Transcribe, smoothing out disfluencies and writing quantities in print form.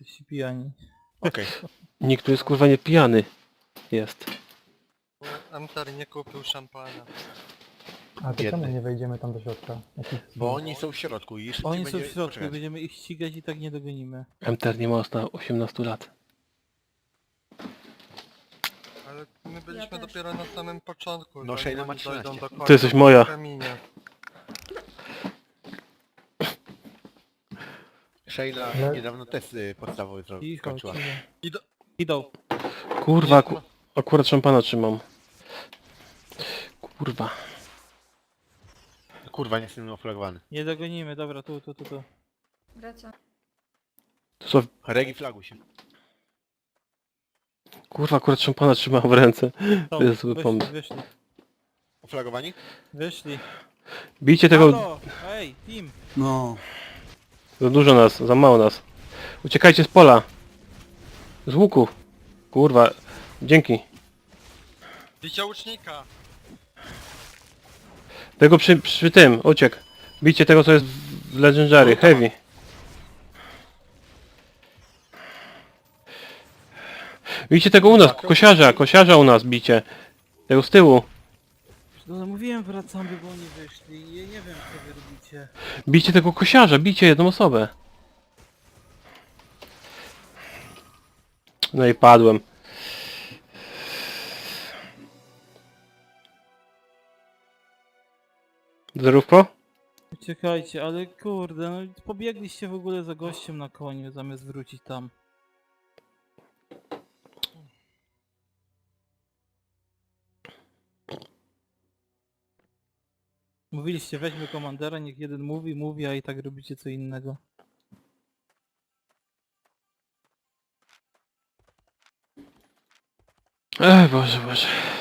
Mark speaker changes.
Speaker 1: jesteście pijani.
Speaker 2: Okej.
Speaker 3: Nikt tu jest kurwa nie pijany. Jest.
Speaker 4: Bo Amtar nie kupił szampana.
Speaker 5: A to czemu
Speaker 2: Biedny.
Speaker 5: nie wejdziemy tam do środka?
Speaker 2: Bo oni są w środku i szybciej
Speaker 1: Oni są
Speaker 2: będzie...
Speaker 1: w środku,
Speaker 2: Poczekać.
Speaker 1: będziemy ich ścigać i tak nie dogonimy.
Speaker 3: MTR nie ma na 18 lat.
Speaker 4: Ale my byliśmy
Speaker 6: też.
Speaker 4: dopiero na samym początku.
Speaker 2: No,
Speaker 4: zanim
Speaker 2: Shayna ma
Speaker 4: oni dojdą
Speaker 2: 13.
Speaker 4: do końca
Speaker 3: Ty jesteś moja.
Speaker 4: w kamienie.
Speaker 2: Sheila
Speaker 5: Ale-
Speaker 2: niedawno test podstawowy
Speaker 1: Cicho,
Speaker 2: skończyła.
Speaker 1: cicho. Idą.
Speaker 3: Kurwa, akurat szampana trzymam. Kurwa.
Speaker 2: Kurwa, nie jestem oflagowany.
Speaker 1: Nie dogonimy, dobra, tu.
Speaker 6: Wraca.
Speaker 3: To co?
Speaker 2: Regi flagu się.
Speaker 3: Kurwa, akurat szampana trzymam w ręce.
Speaker 1: Są,
Speaker 3: To jest zły pomysł.
Speaker 2: Oflagowani?
Speaker 1: Wyszli.
Speaker 3: Bijcie tego...
Speaker 1: Halo! Ej, team!
Speaker 7: No,
Speaker 3: Za dużo nas, za mało nas. Uciekajcie z pola. Z łuku. Kurwa. Dzięki.
Speaker 4: Bicia łucznika!
Speaker 3: Tego przy tym, uciekł. Bijcie tego, co jest w Legendary, Heavy. Bijcie tego u nas, kosiarza u nas bicie. Tego z tyłu.
Speaker 1: No mówiłem wracamy, bo oni wyszli. Ja nie wiem co wy robicie.
Speaker 3: Bijcie tego kosiarza, bijcie jedną osobę. No i padłem. Zerówko?
Speaker 1: Uciekajcie, ale kurde, no pobiegliście w ogóle za gościem na koniu, zamiast wrócić tam. Mówiliście weźmy komandera, niech jeden mówi, a i tak robicie co innego.
Speaker 3: Ej, Boże.